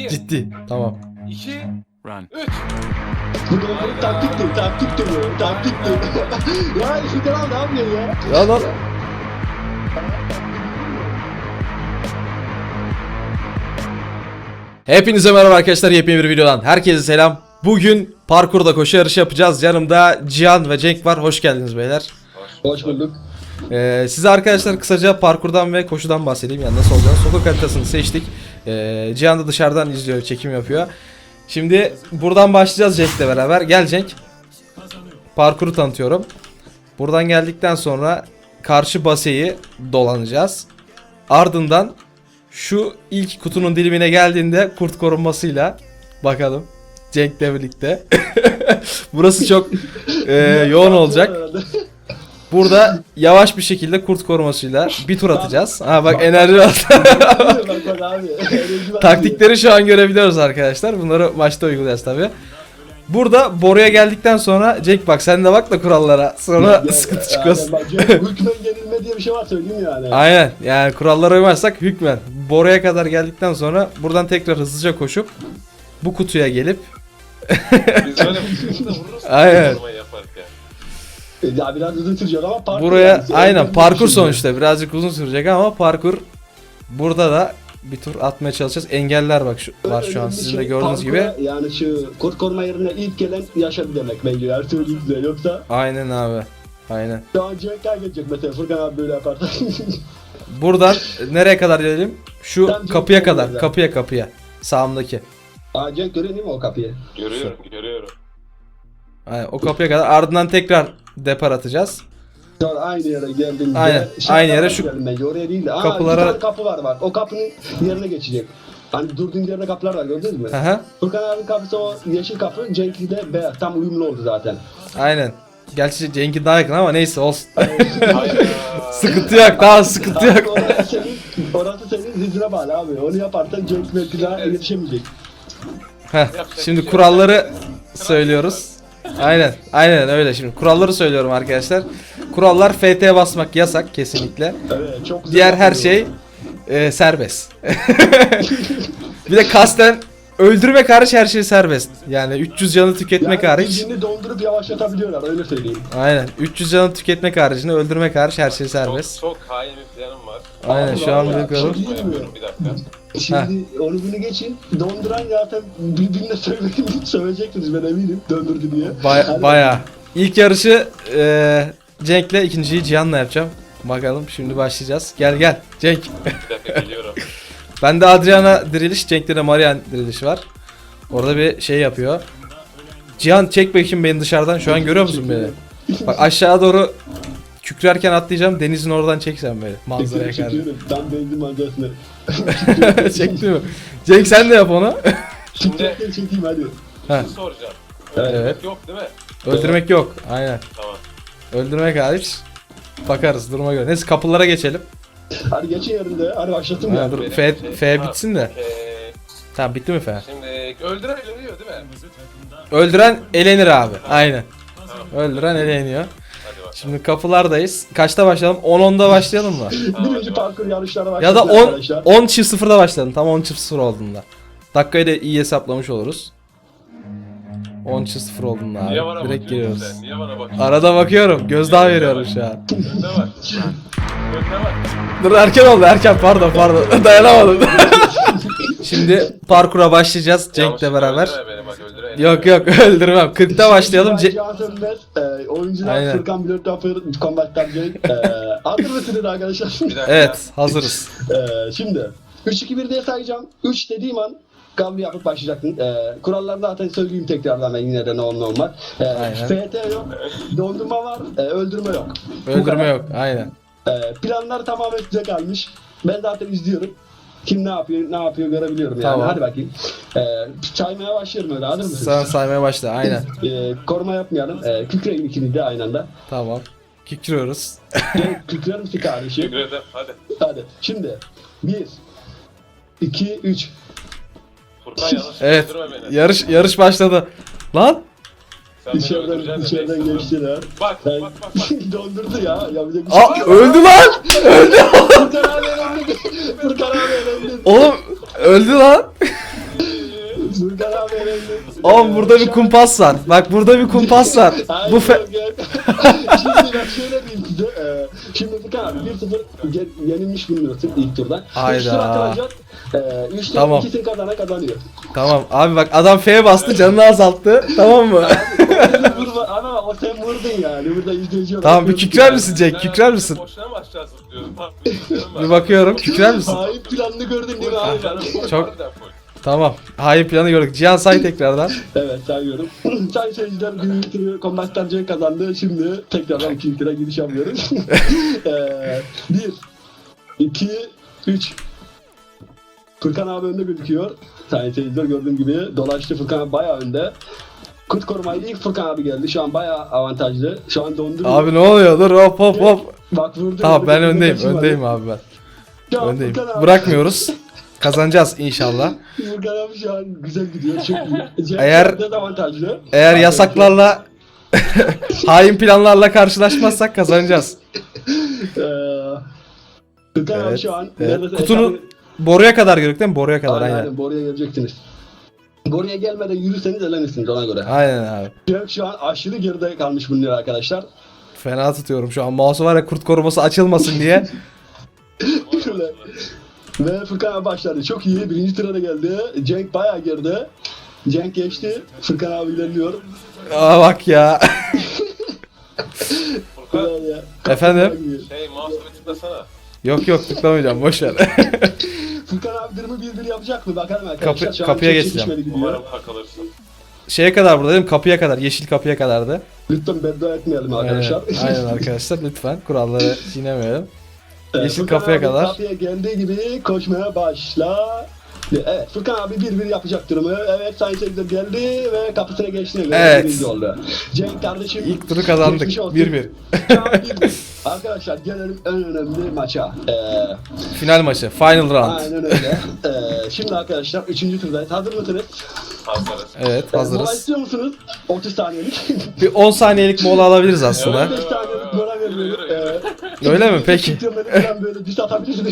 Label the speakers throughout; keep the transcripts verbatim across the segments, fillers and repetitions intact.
Speaker 1: Ciddi. Tamam.
Speaker 2: iki,
Speaker 3: Run.
Speaker 2: üç.
Speaker 4: Bu da taktikti, taktikti bu, taktikti. Ya şu kanal ne yapıyor ya?
Speaker 1: Ya lan. Hepinize merhaba arkadaşlar, yepyeni bir videodan herkese selam. Bugün parkurda koşu yarışı yapacağız. Yanımda Cihan ve Cenk var. Hoş geldiniz beyler.
Speaker 4: Hoş bulduk.
Speaker 1: Ee, size arkadaşlar kısaca parkurdan ve koşudan bahsedeyim. Yani nasıl olacağını. Sokak haritasını seçtik. Ee, Cihan da dışarıdan izliyor, çekim yapıyor. Şimdi buradan başlayacağız Cenk'le beraber. Gel Cenk. Parkuru tanıtıyorum. Buradan geldikten sonra karşı baseyi dolanacağız. Ardından şu ilk kutunun dilimine geldiğinde kurt korunmasıyla bakalım Cenk'le birlikte. Burası çok e, yoğun olacak. Burada yavaş bir şekilde kurt korumasıyla bir tur atacağız. Ha bak enerji var. Taktikleri şu an görebiliyoruz arkadaşlar. Bunları maçta uygulayacağız tabi. Burada boruya geldikten sonra Cenk bak sen de bak da kurallara. Sonra
Speaker 4: Ya,
Speaker 1: sıkıntı
Speaker 4: yani
Speaker 1: çıkmasın.
Speaker 4: bak, hükmen yenilme diye bir şey var söyleyeyim yani.
Speaker 1: Aynen yani kurallara uymazsak hükmen. Boruya kadar geldikten sonra buradan tekrar hızlıca koşup bu kutuya gelip
Speaker 2: Biz böyle fırsatında vururuz.
Speaker 1: Aynen.
Speaker 2: Formayı yaparken.
Speaker 4: Ya biraz uzun sürecek ama parkur.
Speaker 1: buraya
Speaker 4: yani.
Speaker 1: aynen
Speaker 4: Önemli
Speaker 1: parkur
Speaker 4: bir şey.
Speaker 1: sonuçta birazcık uzun sürecek ama parkur burada da bir tur atmaya çalışacağız. Engeller bak şu, var şu an
Speaker 4: Önemli
Speaker 1: sizin de
Speaker 4: şey,
Speaker 1: gördüğünüz gibi.
Speaker 4: parkura, yani şu kurt koruma yerine ilk gelen yaşadı demek bence. Her söyleyeyim size yoksa
Speaker 1: Aynen abi. Aynen.
Speaker 4: şu an Cenk kaybedecek mesela Furkan abi böyle yaparsa.
Speaker 1: Buradan nereye kadar gelelim? Şu
Speaker 4: Tam
Speaker 1: kapıya
Speaker 4: Cenk
Speaker 1: kadar.
Speaker 4: orada.
Speaker 1: Kapıya kapıya. Sağımdaki.
Speaker 4: Aa Cenk görüyor değil mi o kapıyı?
Speaker 2: Görüyorum, görüyorum.
Speaker 1: Aynen, o kapıya kadar. Ardından tekrar depar atacağız.
Speaker 4: Sonra aynı yere geldiğimizde.
Speaker 1: Aynen,
Speaker 4: Şuraya
Speaker 1: aynı yere şu
Speaker 4: geldim bence, oraya değil de. Aa,
Speaker 1: kapılara-
Speaker 4: bir tane kapı var bak. O kapının yerine geçecek. Hani durduğun yerde kapılar var gördünüz mü?
Speaker 1: Hı hı.
Speaker 4: Furkan abinin kapısı o yeşil kapı, Cenk'in de beyaz. Tam uyumlu oldu zaten.
Speaker 1: Aynen. Gerçi Cenk'in daha yakın ama neyse olsun.
Speaker 2: Hayda.
Speaker 1: Sıkıntı yok, daha sıkıntı yok.
Speaker 4: Orası senin, orası senin hızına bağlı abi. Onu yaparsan Cenk belki daha yetişemeyecek.
Speaker 1: Heh, şimdi kuralları söylüyoruz. Aynen, aynen öyle şimdi. Kuralları söylüyorum arkadaşlar. Kurallar F T basmak yasak kesinlikle.
Speaker 4: Evet, çok güzel
Speaker 1: Diğer her
Speaker 4: yapıyor.
Speaker 1: şey e, serbest. Bir de kasten öldürmek hariç her şey serbest. Yani üç yüz canı tüketmek
Speaker 4: yani
Speaker 1: hariç.
Speaker 4: bildiğini dondurup yavaşlatabiliyorlar öyle söyleyeyim.
Speaker 1: Aynen. üç yüz canı tüketmek haricinde öldürmek hariç her şey serbest.
Speaker 2: Çok, çok hain bir planım var.
Speaker 1: Aynen şu an
Speaker 4: Allah ya,
Speaker 1: bakıyorum.
Speaker 4: çok iyi.
Speaker 2: Yapıyorum, bir dakika.
Speaker 4: Şimdi onu bunu geçin. Donduran zaten birbirine söyleyin, söyleyeceksiniz ben eminim döndürdü diye.
Speaker 1: Baya,
Speaker 4: Hani-
Speaker 1: baya. İlk yarışı e, Cenk'le, ikinciyi Cihan'la yapacağım. Bakalım şimdi başlayacağız. Gel gel Cenk.
Speaker 2: Bir dakika geliyorum.
Speaker 1: Bende Adriana diriliş, Cenk'te de Marian diriliş var. Orada bir şey yapıyor. Cihan çek bakayım beni dışarıdan. Şu an görüyor musun beni? Bak aşağı doğru kükrerken atlayacağım. Denizin oradan çeksen beni. Manzaraya karşı.
Speaker 4: Çekiyorum. Tam benzin manzarasını.
Speaker 1: Çekti mi? Cenk sen de yap onu.
Speaker 2: Şimdi
Speaker 4: Çekeyim çekeyim hadi.
Speaker 1: Ha,
Speaker 2: şunu soracağım.
Speaker 4: Evet.
Speaker 1: evet.
Speaker 2: Yok değil mi?
Speaker 1: Öldürmek yok. Aynen.
Speaker 2: Tamam.
Speaker 1: Öldürmek hariç. Bakarız duruma göre. Neyse kapılara geçelim.
Speaker 4: Hadi geçin yerinde. Hadi başlatın
Speaker 1: Ha,
Speaker 4: ya.
Speaker 1: dur
Speaker 2: Benim
Speaker 1: F,
Speaker 2: şey-
Speaker 1: F
Speaker 2: Ha,
Speaker 1: bitsin de.
Speaker 2: okey.
Speaker 1: Tamam bitti mi F?
Speaker 2: Şimdi öldüren ölüyor değil mi?
Speaker 1: Öldüren elenir abi. Aynen.
Speaker 2: Tamam.
Speaker 1: Öldüren eleniyor.
Speaker 2: Hadi bakalım.
Speaker 1: Şimdi kapılardayız. Kaçta başlayalım? on onda başlayalım mı?
Speaker 4: Birinci parkur yarışlara başladık
Speaker 1: Ya da on
Speaker 4: arkadaşlar.
Speaker 1: on çift sıfırda başlayalım. Tam on çift sıfır olduğunda. Dakikayı da iyi hesaplamış oluruz. on çift sıfır olduğunda
Speaker 2: Niye
Speaker 1: abi.
Speaker 2: bana
Speaker 1: Direkt
Speaker 2: bakıyorsun
Speaker 1: giriyoruz.
Speaker 2: sen? Niye bana bakıyorsun?
Speaker 1: Arada bakıyorum. Gözdağı veriyorum şu an.
Speaker 2: Önde var. Önde var.
Speaker 1: Dur erken oldu erken pardon pardon. Dayanamadım. Şimdi parkura başlayacağız Cenk'le
Speaker 2: Yanlışlıkla
Speaker 1: beraber.
Speaker 2: öldürme beni bak, öldüre-
Speaker 1: Yok yok öldürmem. kırkta başlayalım.
Speaker 4: Ce-
Speaker 1: Ce-
Speaker 4: Can Sönmez, e, oyuncular
Speaker 1: Aynen.
Speaker 4: Furkan Blödtoffer, Combat'tan Cenk. E, hazır mısınız arkadaşlar?
Speaker 2: Bir dakika.
Speaker 1: Evet hazırız.
Speaker 4: e, şimdi üç iki bir diye sayacağım. üç dediğim an kavga yapıp başlayacaksın. E, kuralları zaten söyleyeyim tekrardan ben yine de ne olur ne olmaz. E,
Speaker 1: Aynen.
Speaker 4: F T yok, dondurma var, e, öldürme yok. Bu
Speaker 1: Öldürme
Speaker 4: kadar.
Speaker 1: yok aynen.
Speaker 4: E, planlar tamamen size kalmış. Ben zaten izliyorum. Kim ne yapıyor, ne yapıyor görebiliyorum yani.
Speaker 1: Tamam.
Speaker 4: Hadi bakayım. E, saymaya başlıyorum öyle. Hazır mısınız?
Speaker 1: Sen saymaya başla aynen.
Speaker 4: E, koruma yapmayalım. E, kükreyin ikiniz de aynı anda.
Speaker 1: Tamam. Kikiriyoruz.
Speaker 4: Cenk, kükrer misin kardeşim?
Speaker 2: Teşekkür ederim. Hadi.
Speaker 4: Hadi. Şimdi. Bir. iki, üç.
Speaker 2: Furkan yanlış
Speaker 1: Evet.
Speaker 2: öldürme beni.
Speaker 1: Yarış yarış başladı. Lan
Speaker 2: Sen beni
Speaker 4: İçeriden,
Speaker 2: öldüreceksin de
Speaker 4: içeriden
Speaker 2: bekle.
Speaker 4: geçtiler.
Speaker 2: Bak
Speaker 4: Ben
Speaker 2: bak bak bak.
Speaker 4: dondurdu ya. Yapacak bir şey
Speaker 1: aa,
Speaker 4: yok.
Speaker 1: öldü lan.
Speaker 4: Furkan abi elendi. Furkan abi elendi.
Speaker 1: Oğlum öldü lan.
Speaker 4: Furkan abi elendi.
Speaker 1: Oğlum burada bir kumpas var. Bak burada bir kumpas var.
Speaker 4: Hayır,
Speaker 1: Bu fe...
Speaker 4: yok, yok. Şimdi ben şöyle diyeyim size. E, şimdi Furkan abi bir sıfır ge- yenilmiş bulunuyorsun ilk turdan.
Speaker 1: Hayda.
Speaker 4: üç tur atılacak. E, üç
Speaker 1: Tamam.
Speaker 4: ikisini kazana kazanıyor.
Speaker 1: Tamam abi bak adam F'ye bastı canını azalttı. Tamam mı?
Speaker 4: Vurma, ama bak o sen vurdun yani. Burada izleyici olarak
Speaker 1: Tamam bir
Speaker 4: gördük
Speaker 1: kükrer
Speaker 4: yani.
Speaker 1: misin Cenk? Kükrer misin?
Speaker 2: Boşuna mı aşağı zıplıyorum?
Speaker 1: Bir bakıyorum. Kükrer misin?
Speaker 4: Hain planını gördün değil mi abi?
Speaker 1: Çok- Tamam. Hain planı gördük. Cihan say tekrardan.
Speaker 4: Evet sayıyorum. Sayın seyirciler Gülüntü Kombat'tan Cenk kazandı. Şimdi tekrardan ikinci tura giriş yapıyoruz. Eee, bir, iki, üç. Furkan abi önde gözüküyor. Sayın seyirciler gördüğüm gibi dolaştı. Furkan abi bayağı önde. Kurt korumayı ilk Furkan abi geldi. Şu an bayağı avantajlı. Şu an dondu.
Speaker 1: Abi ne oluyor? Dur hop hop hop.
Speaker 4: Bak vurdu.
Speaker 1: Tamam ben
Speaker 4: vurdu,
Speaker 1: öndeyim.
Speaker 4: kaçırmadı.
Speaker 1: Öndeyim abi ben.
Speaker 4: Şu an
Speaker 1: Öndeyim.
Speaker 4: Furkan abi-
Speaker 1: Bırakmıyoruz. Kazanacağız inşallah.
Speaker 4: Furkan abi şu an güzel gidiyor. Çok iyi. Cenk
Speaker 1: Eğer-
Speaker 4: dezavantajlı.
Speaker 1: Eğer
Speaker 4: Abi,
Speaker 1: yasaklarla hain planlarla karşılaşmazsak kazanacağız.
Speaker 4: Eee Furkan abi
Speaker 1: Evet,
Speaker 4: şu an
Speaker 1: evet.
Speaker 4: neredeyse
Speaker 1: Kutunun
Speaker 4: hesabı-
Speaker 1: boruya kadar gördük değil mi? Boruya kadar
Speaker 4: Aynen,
Speaker 1: aynen.
Speaker 4: aynen. Boruya gelecektiniz. Boruya gelmeden yürürseniz elenirsiniz ona göre.
Speaker 1: Aynen abi.
Speaker 4: Cenk şu an aşırı geride kalmış bulunuyor arkadaşlar.
Speaker 1: Fena tutuyorum şu an. Mouse var ya kurt koruması açılmasın diye.
Speaker 4: Şöyle. Ve Furkan abi başladı. Çok iyi. Birinci tura da geldi. Cenk bayağı geride. Cenk geçti. Furkan abi ilerliyor.
Speaker 1: Aa bak ya.
Speaker 2: Furkan
Speaker 4: Böyle ya.
Speaker 1: Efendim?
Speaker 2: şey mouse'u bir tıklasana.
Speaker 1: Yok yok tıklamayacağım boş ver.
Speaker 4: Furkan abi durumu bir bir yapacak mı? Bakalım arkadaşlar.
Speaker 1: Kapı-
Speaker 4: Şu an
Speaker 1: kapıya
Speaker 4: çok
Speaker 1: geçeceğim.
Speaker 4: çekişmeli gidiyor.
Speaker 2: Umarım takılırsın.
Speaker 1: Şeye kadar buradayım kapıya kadar. Yeşil kapıya kadardı.
Speaker 4: Lütfen beddua etmeyelim
Speaker 1: Aynen,
Speaker 4: arkadaşlar.
Speaker 1: aynen arkadaşlar lütfen kuralları çiğnemeyelim.
Speaker 4: Evet,
Speaker 1: Yeşil
Speaker 4: Furkan
Speaker 1: kapıya
Speaker 4: abi
Speaker 1: kadar.
Speaker 4: Kapıya geldiği gibi koşmaya başla. Evet Furkan abi bir bir yapacak durumu. Evet Sayın Seyirciler geldi ve kapısına geçti. Ve
Speaker 1: Evet.
Speaker 4: birinci oldu. Cenk kardeşim.
Speaker 1: İlk turu kazandık.
Speaker 4: geçmiş olsun.
Speaker 1: bir bir.
Speaker 4: Şu an bir bir. Arkadaşlar gelelim en önemli maça. Ee,
Speaker 1: Final maçı. Final round.
Speaker 4: aynen öyle. Ee, şimdi arkadaşlar üçüncü turdayız. Hazır mısınız?
Speaker 2: Hazırız.
Speaker 1: Evet
Speaker 4: Ee, Mola
Speaker 1: hazırız.
Speaker 4: istiyor musunuz? otuz saniyelik.
Speaker 1: Bir on saniyelik mola alabiliriz aslında.
Speaker 4: on beş saniyelik mola veriyoruz. Ee,
Speaker 1: Öyle mi? Peki.
Speaker 4: Videoları falan böyle diss atabilirsiniz.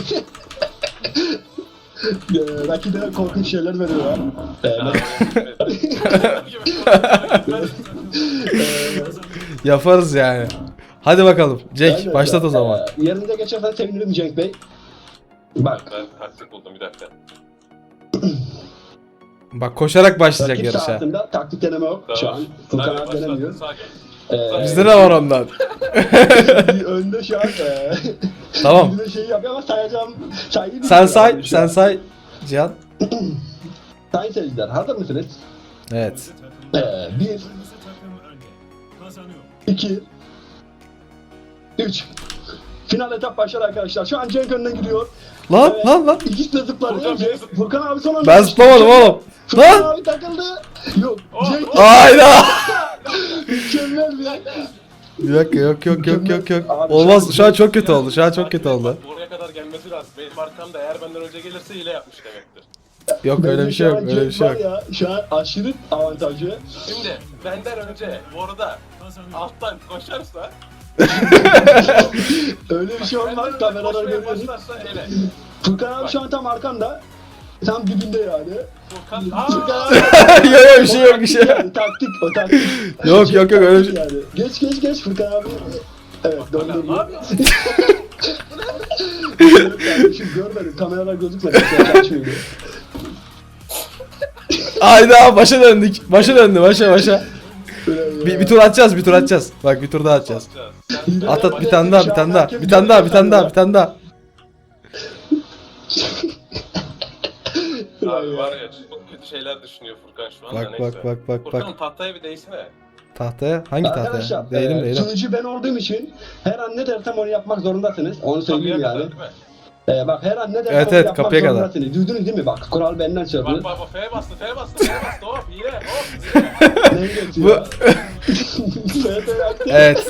Speaker 4: Ee, rakibe korkunç şeyler veriyorlar. Ee,
Speaker 1: Yaparız yani. Hadi bakalım. Cenk
Speaker 4: aynen.
Speaker 1: başlat o zaman.
Speaker 4: Ee, yerinize geçersen sevinirim Cenk Bey. Bak.
Speaker 2: Ben taktik buldum bir dakika.
Speaker 1: Bak koşarak başlayacak
Speaker 4: Rakip
Speaker 1: yarışa.
Speaker 4: sahasında taktik deneme yok şu an. Furkan
Speaker 2: Hadi
Speaker 4: abi
Speaker 2: başla.
Speaker 4: denemiyor.
Speaker 2: Sakin.
Speaker 4: Ee,
Speaker 1: Bizde de var ondan.
Speaker 4: önde şu an. E,
Speaker 1: Tamam.
Speaker 4: bir de şey yapıyor ama sayacağım. Sayıyı
Speaker 1: Sen
Speaker 4: bilmiyorum
Speaker 1: say,
Speaker 4: şu
Speaker 1: sen
Speaker 4: an.
Speaker 1: say. Cihan.
Speaker 4: Sayın seyirciler hazır mısınız?
Speaker 1: Evet.
Speaker 4: Ee, bir, iki, üç. Final etap başlar arkadaşlar. Şu an Cenk önden gidiyor.
Speaker 1: Lan
Speaker 4: Evet.
Speaker 1: lan lan.
Speaker 4: İkisi de zıplanıyor.
Speaker 2: Furkan
Speaker 4: Cenk-
Speaker 2: beni zıp-
Speaker 4: Furkan abi son anda.
Speaker 1: Ben zıplamadım oğlum.
Speaker 4: Furkan
Speaker 1: Lan.
Speaker 4: abi takıldı. Yok.
Speaker 2: Oh,
Speaker 4: Cenk
Speaker 2: oh.
Speaker 1: Hayda.
Speaker 4: mükemmel bir.
Speaker 1: Bir dakika yok yok yok yok yok.
Speaker 4: Abi,
Speaker 1: Olmaz
Speaker 4: şu an-
Speaker 1: şu an çok kötü oldu. Şu an çok kötü oldu.
Speaker 2: Buraya kadar gelmesi lazım. Benim arkamda eğer benden önce gelirse hile yapmış demektir.
Speaker 1: Yok öyle
Speaker 4: Bence
Speaker 1: bir şey
Speaker 4: şu
Speaker 1: yok.
Speaker 4: an
Speaker 1: Öyle bir
Speaker 4: Cenk
Speaker 1: şey
Speaker 4: var
Speaker 1: yok.
Speaker 4: ya, şu an aşırı avantajı.
Speaker 2: Şimdi benden önce bu arada alttan koşarsa
Speaker 4: Öyle bir şey
Speaker 2: benden
Speaker 4: olmaz.
Speaker 2: önce
Speaker 4: Kameralar
Speaker 2: koşmaya
Speaker 4: görüyoruz.
Speaker 2: başlarsa ele.
Speaker 4: Furkan abi şu an tam arkanda. Tam dibinde yani.
Speaker 2: Furkan
Speaker 4: Furkan
Speaker 2: aaa!
Speaker 4: abi.
Speaker 1: Yok yok bir şey yok bir şey yok.
Speaker 4: Yani, taktik o taktik.
Speaker 1: Yok yok yok öyle bir şey.
Speaker 4: Yani. Geç geç geç Furkan abi. Evet
Speaker 2: Ne
Speaker 4: döndürdü.
Speaker 2: yapıyorsun?
Speaker 4: Kardeşim görmedim kameralar gözükmedi. Sen açmıyor.
Speaker 1: Hayda başa döndük. Başa döndü başa başa. Bir, bir tur atacağız bir tur atacağız. Bak bir tur daha atacağız.
Speaker 2: Sen-
Speaker 1: At at bir tane daha bir tane daha. Bir tane daha bir tane daha bir tane daha.
Speaker 2: Abi var ya çok kötü şeyler düşünüyor Furkan şu anda
Speaker 1: Bak
Speaker 2: neyse.
Speaker 1: bak bak bak
Speaker 2: Furkan
Speaker 1: bak.
Speaker 2: tahtaya bir değsene.
Speaker 1: Tahtaya? Hangi tahtaya?
Speaker 4: Arkadaşlar
Speaker 1: Değilim
Speaker 4: e,
Speaker 1: değilim.
Speaker 4: sunucu ben olduğum için her an ne dersem onu yapmak zorundasınız. Onu söyleyeyim
Speaker 2: Kapıya
Speaker 4: yani.
Speaker 2: kadar değil mi?
Speaker 4: E, bak her an ne dersem
Speaker 1: Evet,
Speaker 4: onu
Speaker 1: evet,
Speaker 4: yapmak
Speaker 1: kapıya kadar.
Speaker 4: zorundasınız. Duydunuz değil mi? Bak kural benden
Speaker 2: Bak
Speaker 4: söylüyor.
Speaker 2: bak bak F'ye bastı F'ye bastı F'ye bastı hop hile hop hile.
Speaker 4: Neyi
Speaker 1: Bu
Speaker 4: geçiyor? Evet, evet.
Speaker 1: evet.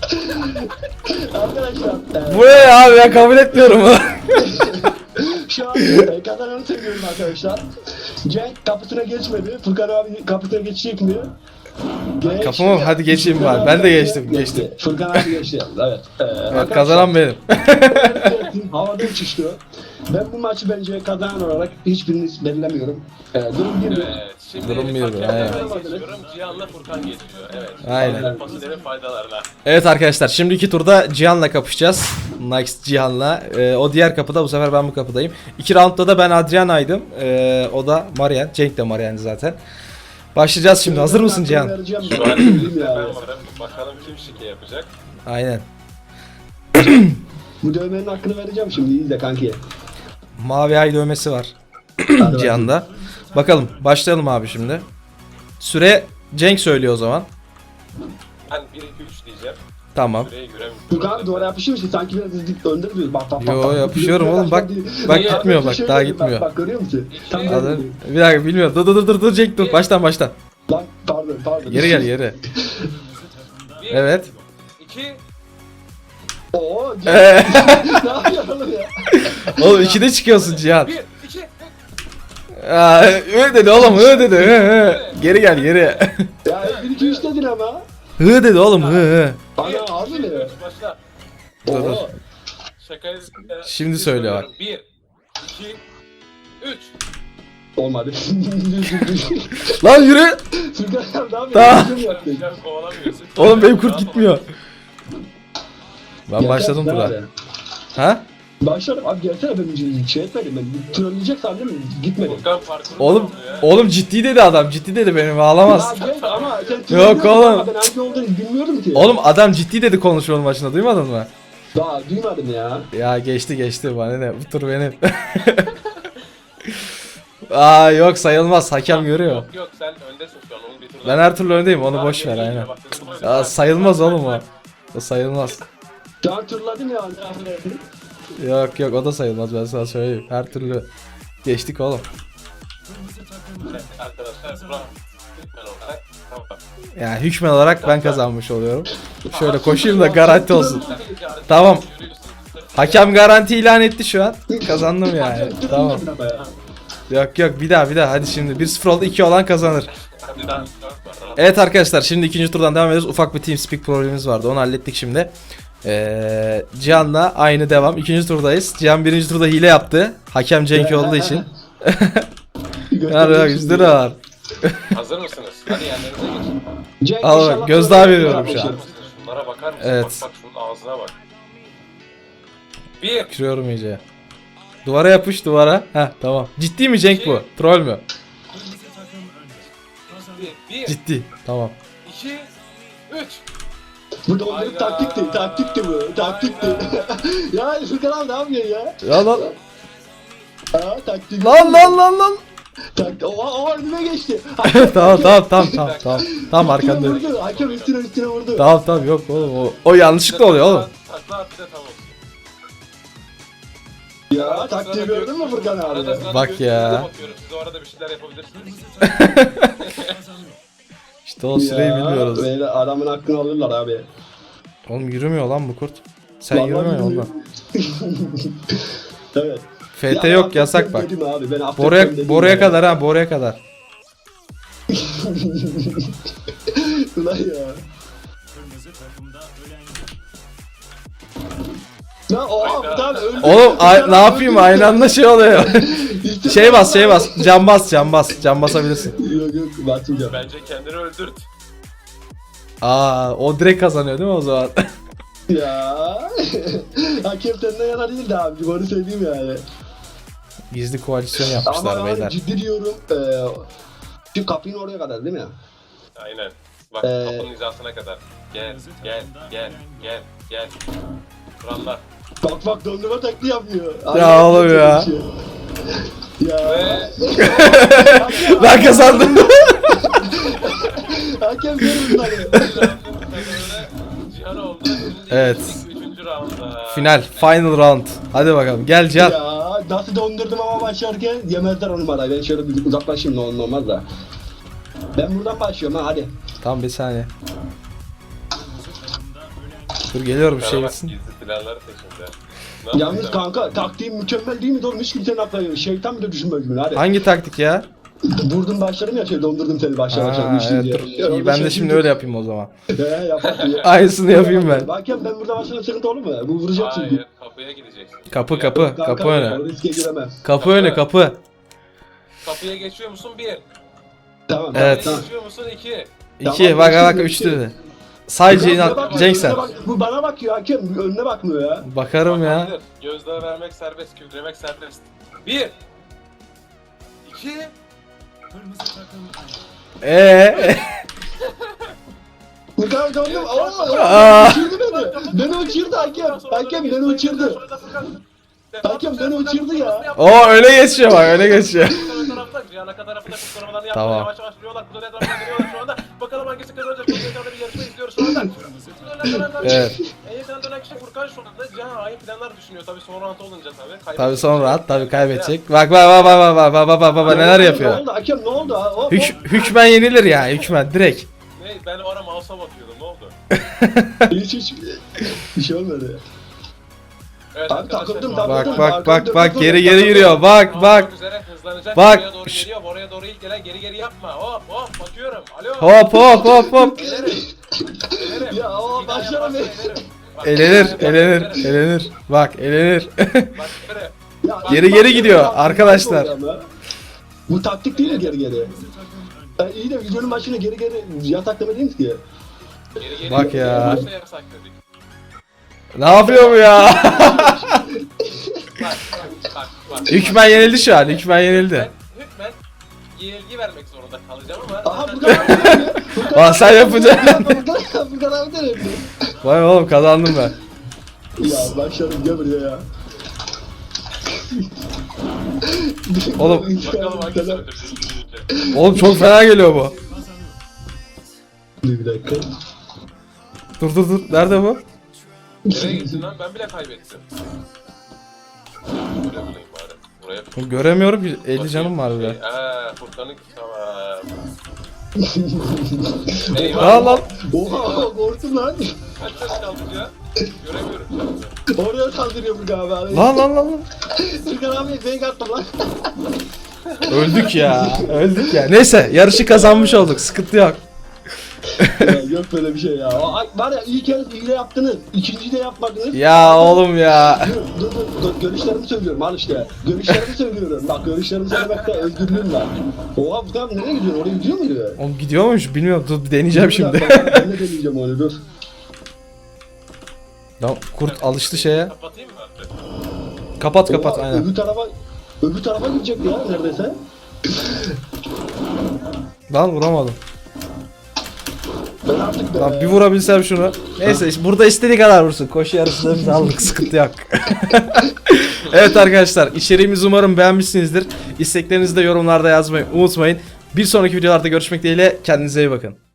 Speaker 4: Arkadaşlar e,
Speaker 1: Bu ne ya abi ya kabul etmiyorum bunu.
Speaker 4: şu an e, kazananı seviyorum arkadaşlar. Cenk kapısına geçmedi. Furkan abi kapısına geçecek mi? Geç.
Speaker 1: Kapımı hadi geçeyim
Speaker 4: Furkan
Speaker 1: bari. Ben
Speaker 4: abi
Speaker 1: de
Speaker 4: geçti,
Speaker 1: geçtim, geçtim.
Speaker 4: Furkan abi geçti. Evet. E,
Speaker 1: Evet
Speaker 4: arkadaşlar,
Speaker 1: kazanan benim.
Speaker 4: Herkesin havada uçuştu. Ben bu maçı bence kazanan olarak hiçbirini belirlemiyorum. Ee, durum bir.
Speaker 2: Evet. Şimdi
Speaker 1: Durum bir,
Speaker 2: hakemlerden
Speaker 1: aynen.
Speaker 2: geçiyorum. Cihan'la Furkan geçiyor. Evet.
Speaker 1: Aynen.
Speaker 2: Fasulyenin faydalarına.
Speaker 1: Evet arkadaşlar şimdi iki turda Cihan'la kapışacağız. Next Cihan'la. Ee, o diğer kapıda, bu sefer ben bu kapıdayım. İki roundda da ben Adriana'ydım. Ee, o da Marian. Cenk de Marian'dı zaten. Başlayacağız şimdi. Hazır mısın Cihan?
Speaker 4: Vereceğim.
Speaker 2: Şu an
Speaker 4: Söyleyeyim
Speaker 2: elimizde ben
Speaker 4: ya.
Speaker 2: varım. Bakalım kim şike yapacak.
Speaker 1: Aynen.
Speaker 4: Bu dövmenin hakkını vereceğim şimdi. İyi de kanki.
Speaker 1: Mavi ay dövmesi var
Speaker 4: Hadi
Speaker 1: Cihan'da. Bakalım başlayalım abi şimdi. Süre Cenk söylüyor o zaman.
Speaker 2: Ben bir iki üç diyeceğim.
Speaker 1: Tamam.
Speaker 2: Süreyi göremiyorum.
Speaker 4: Furkan duvara yapışıyor musun? Sanki biraz hızlı önde duruyoruz. Bak bak bak.
Speaker 1: Yo,
Speaker 4: bak.
Speaker 1: yapışıyorum
Speaker 4: Biraz
Speaker 1: oğlum, bak-
Speaker 4: değil.
Speaker 1: bak
Speaker 4: Ya,
Speaker 1: gitmiyor,
Speaker 4: bir
Speaker 1: bak,
Speaker 4: şey
Speaker 1: daha
Speaker 4: değil,
Speaker 1: gitmiyor.
Speaker 4: Bak, bak görüyor musun? Tam
Speaker 2: İki.
Speaker 1: Hadi.
Speaker 4: geldi.
Speaker 1: Bir dakika bilmiyorum. Dur dur dur dur dur Cenk dur. Baştan baştan.
Speaker 4: Lan pardon pardon.
Speaker 1: Geri gel geri.
Speaker 2: Bir,
Speaker 1: Evet.
Speaker 2: iki,
Speaker 4: Oo.
Speaker 1: Ee,
Speaker 4: Ne yapıyorsun oğlum ya?
Speaker 1: oğlum ikide çıkıyorsun Cihan.
Speaker 2: bir, iki.
Speaker 1: Aa, hı dedi oğlum hı dedi. Hı, hı. Geri gel geri.
Speaker 4: Ya bir iki üç dedin ama.
Speaker 1: Hı dedi oğlum hı hı.
Speaker 4: Ana harbi mi?
Speaker 2: Başla.
Speaker 1: Dur, dur.
Speaker 4: Oo.
Speaker 2: Şakayı
Speaker 1: Şimdi söyle bak.
Speaker 2: Bir, iki, üç.
Speaker 4: Olmadı.
Speaker 1: Lan yürü.
Speaker 4: Furkan ne yapıyor?
Speaker 1: Tamam.
Speaker 4: Kim yaptı?
Speaker 2: Sen kovalamıyorsun.
Speaker 1: Oğlum benim kurt gitmiyor. Ben
Speaker 4: Gelsene,
Speaker 1: başladım
Speaker 4: ne
Speaker 1: bura.
Speaker 4: var ya?
Speaker 1: Ha?
Speaker 4: Başladım abi gelsene ben şey etmedim ben. Trolleyecek sandım gitmedim.
Speaker 2: Furkan parkuru
Speaker 1: Oğlum
Speaker 2: oldu ya.
Speaker 1: oğlum ciddi dedi adam. Ciddi dedi benim ağlamaz.
Speaker 4: Ya gel ama sen
Speaker 1: Yok
Speaker 4: trollüyorsun
Speaker 1: oğlum.
Speaker 4: ama Ben hangi olduğunu bilmiyorum ki.
Speaker 1: Oğlum adam ciddi dedi konuşmanın başında, duymadın mı?
Speaker 4: Daha duymadım ya.
Speaker 1: Ya geçti geçti bana ne, bu tur benim. Aa yok sayılmaz, hakem görüyor.
Speaker 2: Yok yok sen öndesin şu an onun bir turda.
Speaker 1: Ben her türlü öndeyim, onu
Speaker 2: Daha
Speaker 1: boş ver
Speaker 2: geri
Speaker 1: aynen.
Speaker 2: geliyor, bak, hızlı hızlı.
Speaker 1: Ya sayılmaz oğlum o. O sayılmaz.
Speaker 4: Şu an turladım ya.
Speaker 1: Yok yok o da sayılmaz, ben sana söyleyeyim. Her türlü geçtik oğlum.
Speaker 2: Arkadaşlar bravo. Lütfen olarak. Tamam.
Speaker 1: Yani hükmen olarak ben kazanmış oluyorum. Şöyle koşayım da garanti olsun. Tamam. Hakem garanti ilan etti şu an. Kazandım yani. Tamam. Yok yok bir daha bir daha, hadi şimdi bir sıfır oldu, iki olan kazanır.
Speaker 2: Hadi daha.
Speaker 1: Evet arkadaşlar şimdi ikinci turdan devam ediyoruz. Ufak bir TeamSpeak problemimiz vardı, onu hallettik şimdi. Ee, Cihan'la aynı devam. İkinci turdayız. Cihan birinci turda hile yaptı. Hakem Cenk olduğu için. Var yüz lira var.
Speaker 2: Hazır mısınız? Hadi yerlerinize geçin.
Speaker 4: Cenk
Speaker 1: Al bak,
Speaker 4: inşallah
Speaker 1: gözdağı
Speaker 4: böyle
Speaker 1: veriyorum
Speaker 4: bir
Speaker 1: şu an.
Speaker 4: şey.
Speaker 2: Şunlara bakar mısın?
Speaker 1: Evet.
Speaker 2: Bak bak şunun ağzına bak. Bir.
Speaker 1: Kırıyorum iyice. Duvara yapış duvara. Heh tamam. Ciddi mi Cenk bu? Troll mü?
Speaker 2: Bir. Bir.
Speaker 1: Ciddi. Tamam.
Speaker 2: İki. Üç.
Speaker 4: Bu dondurup
Speaker 2: Hayda.
Speaker 4: taktikti, taktikti bu, taktikti. Ya Furkan abi ne yapıyorsun ya?
Speaker 1: Ya lan.
Speaker 4: Ha taktik.
Speaker 1: Lan lan lan lan.
Speaker 4: Taktik. Oha oha önüme geçti.
Speaker 1: tamam tamam tamam tamam tamam. Tamam
Speaker 4: Hakem
Speaker 1: arkandayım.
Speaker 4: vurdu, hakem üstüne üstüne vurdu.
Speaker 1: Tamam tamam yok oğlum o, o yanlışlıkla oluyor oğlum.
Speaker 2: Takla at bir de tamam.
Speaker 4: Ya taktiği gördün mü Furkan abi?
Speaker 2: Arada sırada
Speaker 1: Bak
Speaker 2: gözünüze
Speaker 1: ya.
Speaker 2: bakıyorum. Siz o arada bir şeyler yapabilirsiniz.
Speaker 1: İşte o süreyi
Speaker 4: Ya,
Speaker 1: bilmiyoruz.
Speaker 4: Böyle adamın hakkını alırlar abi.
Speaker 1: Oğlum yürümüyor lan bu kurt. Sen
Speaker 4: Vallahi
Speaker 1: yürümüyor
Speaker 4: bilmiyorum.
Speaker 1: ondan.
Speaker 4: Evet.
Speaker 1: F T
Speaker 4: Ya,
Speaker 1: yok
Speaker 4: affet
Speaker 1: yasak bak.
Speaker 4: dedim abi, ben affet
Speaker 1: Boruya,
Speaker 4: dedim
Speaker 1: boruya
Speaker 4: ya.
Speaker 1: kadar ha boruya kadar.
Speaker 4: Ulan ya. Lan oha bir tane öldü.
Speaker 1: Oğlum ay- ne yapayım, aynı anda şey oluyor.
Speaker 4: İşte
Speaker 1: şey bas şey bas. Cam bas cam bas. Cam basabilirsin.
Speaker 4: Yok yok basmayacağım.
Speaker 2: Bence kendini öldürt.
Speaker 1: Aa o direkt kazanıyor değil mi o zaman?
Speaker 4: Ya. Hakem senden yana değildi abi. Onu söyleyeyim yani.
Speaker 1: Gizli koalisyon
Speaker 4: Ama
Speaker 1: yapmışlar
Speaker 4: yani
Speaker 1: beyler.
Speaker 4: ciddi diyorum. Eee şu kapının oraya kadar değil mi?
Speaker 2: Aynen. Bak
Speaker 4: Ee,
Speaker 2: kapının hizasına kadar. Gel, gel, gel, gel, gel. Kurallar.
Speaker 4: Bak bak dondurma taktiği yapmıyor.
Speaker 1: Ya oğlum ya.
Speaker 4: Ya.
Speaker 2: Ve
Speaker 1: Ben kazandım.
Speaker 4: Hakem görür bunları.
Speaker 2: Cihan oldu. Şimdi
Speaker 1: Evet.
Speaker 2: geçtik Üçüncü rounda.
Speaker 1: Final, final round. Hadi bakalım. Gel Cihan.
Speaker 4: Ya nasıl dondurdum ama başlarken yemezler o numarayı. Ben şöyle bir uzaklaşayım ne olur ne olmaz da. Ben buradan başlıyorum ha hadi.
Speaker 1: Tamam bir saniye. Dur geliyorum
Speaker 2: Sana
Speaker 1: şey
Speaker 2: bak,
Speaker 1: bitsin.
Speaker 2: gizli planlar peşinde. Ne
Speaker 4: Yalnız
Speaker 2: yapacağım?
Speaker 4: kanka taktiğim mükemmel değil mi? Doğru hiç kimsenin aklına gelmiyor. Şeytan bile düşünmez bunu hadi.
Speaker 1: Hangi taktik ya?
Speaker 4: Vurdum başlarım ya şey dondurdum seni başlar başlar.
Speaker 1: Aa,
Speaker 4: düştün
Speaker 1: evet,
Speaker 4: diye.
Speaker 1: dur.
Speaker 4: Ya,
Speaker 1: İyi,
Speaker 4: orada
Speaker 1: ben de
Speaker 4: şey
Speaker 1: şimdi
Speaker 4: çünkü-
Speaker 1: öyle yapayım o zaman.
Speaker 4: He yap bak.
Speaker 1: Aynısını yapayım ben.
Speaker 4: Hakem ben burada başlarım sıkıntı olur mu? Bu vuracak çünkü.
Speaker 2: Hayır, kapıya gideceksin.
Speaker 1: Kapı kapı
Speaker 4: Kanka,
Speaker 1: kapı öne.
Speaker 4: o riske giremem.
Speaker 1: Kapı öne kapı.
Speaker 2: Kapıya geçiyor musun? Bir.
Speaker 4: Tamam.
Speaker 1: Evet.
Speaker 4: Tamam.
Speaker 2: Geçiyor musun? İki.
Speaker 1: İki
Speaker 4: Tamam,
Speaker 1: bak bak
Speaker 4: geçtim,
Speaker 1: üç
Speaker 4: geçtim.
Speaker 1: dedi. Sadece
Speaker 4: Önüne
Speaker 1: inan
Speaker 4: bakma,
Speaker 1: Cenk sen.
Speaker 4: önüne bak- Bu bana bakıyor hakem. Önüne bakmıyor ya.
Speaker 1: Bakarım ya.
Speaker 2: Bakabilir. Gözdağı vermek serbest, küfremek serbest. Bir. İki.
Speaker 1: Eee.
Speaker 4: Bu kadar döndüm.
Speaker 1: Aa.
Speaker 4: Aa, uçurdu beni. Beni uçurdu hakem. Hakem beni uçurdu. Hakem beni uçurdu ya.
Speaker 1: O öyle geçiyor bak öyle geçiyor.
Speaker 2: Cihan tarafında kurtarmalarını yaptılar.
Speaker 1: Tamam.
Speaker 2: Yavaş yavaş vuruyorlar. Kuzey tarafına geliyorlar şu anda. Bakalım hangisi kazanacak. Kuzey tarafında bir yarışma izliyoruz şu anda.
Speaker 1: Evet.
Speaker 2: En yakın dönen kişi Furkan şu anda. Cihan aynı planlar düşünüyor. Tabii son round olunca tabii.
Speaker 1: Tabii sonra at tabii kaybedecek. Bak bak bak bak bak bak bak bak bak neler
Speaker 4: Ne
Speaker 1: yapıyor.
Speaker 4: oldu hakem ne oldu? ha? Hop,
Speaker 1: Hük,
Speaker 4: hop.
Speaker 1: hükmen yenilir ya hükmen direkt.
Speaker 2: Ne? Ben o ara mouse'a bakıyordum. Ne oldu?
Speaker 4: Hiç hiç bir şey olmadı.
Speaker 2: Evet
Speaker 4: Abi
Speaker 2: arkadaşlar,
Speaker 4: takıldım,
Speaker 2: şu an-
Speaker 1: Bak
Speaker 4: takıldım.
Speaker 1: bak bak bak geri geri giriyor bak
Speaker 2: Round
Speaker 1: bak.
Speaker 2: olmak üzere hızlanacak.
Speaker 1: Bak.
Speaker 2: Oraya doğru geliyor. Oraya doğru ilk gelen geri geri yapma. Hop hop bakıyorum. Alo.
Speaker 1: Hop hop hop hop.
Speaker 2: Elerim. Elerim.
Speaker 4: Ya, o
Speaker 2: Bir daha
Speaker 4: başlarım
Speaker 2: yaparsan
Speaker 4: ya.
Speaker 2: elerim. Bak,
Speaker 1: Elenir
Speaker 2: bir daha
Speaker 1: elenir
Speaker 2: yaparsan elerim.
Speaker 1: elenir. Bak elenir.
Speaker 2: Bak şöyle.
Speaker 4: Ya,
Speaker 1: Geri
Speaker 4: bak,
Speaker 1: geri
Speaker 4: bak,
Speaker 1: gidiyor
Speaker 4: bak,
Speaker 1: arkadaşlar.
Speaker 4: ama. Bu taktik değil mi geri geri? Ya, iyi de videonun başına geri geri yataklama değil mi ki?
Speaker 2: Geri geri
Speaker 1: Bak ya.
Speaker 2: Başla yasak dedik.
Speaker 1: Ne yapıyor bu ya?
Speaker 2: Bak bak bak. bak.
Speaker 1: Hükmen yenildi şu an hükmen yenildi.
Speaker 2: Ben hükmen yenilgi vermek zorunda kalacağım ama.
Speaker 4: Aha Furkan abi de yapıyor. Furkan
Speaker 1: Aa,
Speaker 4: abi
Speaker 1: sen
Speaker 4: de
Speaker 1: yapacaksın.
Speaker 4: yapıyor. Furkan- Furkan abi de yapıyor.
Speaker 1: Vay oğlum kazandım ben.
Speaker 4: Ya başladım gel buraya ya.
Speaker 1: Oğlum.
Speaker 2: Bakalım hangisi öldürecek.
Speaker 1: Oğlum çok fena geliyor bu.
Speaker 4: Dur bir dakika.
Speaker 1: Dur dur dur. Nerede bu?
Speaker 2: Nereye gittin lan? Ben bile kaybettim. Buraya bulayım bari. Buraya.
Speaker 1: Göremiyorum ki. elli canım var bile.
Speaker 2: Eee Furkan'ın tamam. Eyvah.
Speaker 1: Aa lan.
Speaker 4: Oha korktum lan.
Speaker 2: Kaç ses kaldı ya? Göremiyorum şu anda.
Speaker 4: Oraya saldırıyor Furkan abi. abi.
Speaker 1: Lan lan lan lan.
Speaker 4: Furkan abi fake attım lan.
Speaker 1: Öldük ya. Öldük ya. Neyse yarışı kazanmış olduk. Sıkıntı yok.
Speaker 4: Ya, yok böyle bir şey ya. O, ay, var ya iyi kez iyi de yaptınız. İkinciyi de yapmadınız.
Speaker 1: Ya oğlum ya.
Speaker 4: Dur dur dur, dur görüşlerimi söylüyorum al işte. Görüşlerimi söylüyorum. Bak görüşlerimi söylemekte özgürlüğüm var. Oha bu tam nereye gidiyor? Oraya gidiyor muydu?
Speaker 1: Oğlum gidiyor muymuş bilmiyorum. Dur bir deneyeceğim
Speaker 4: Dur,
Speaker 1: şimdi.
Speaker 4: bak, Ben de deneyeceğim onu dur.
Speaker 1: Lan kurt alıştı şeye.
Speaker 2: Kapatayım mı artık?
Speaker 1: Kapat kapat
Speaker 4: Oha,
Speaker 1: aynen.
Speaker 4: Öbür tarafa öbür tarafa gidecek ya neredeyse.
Speaker 1: Lan vuramadım.
Speaker 4: Ben artık be.
Speaker 1: Lan bir vurabilsem şunu. Neyse işte burada istediği kadar vursun. Koşu yarısında biz aldık. Sıkıntı yok. Evet arkadaşlar içeriğimizi umarım beğenmişsinizdir. İsteklerinizi de yorumlarda yazmayı unutmayın. Bir sonraki videolarda görüşmek dileğiyle kendinize iyi bakın.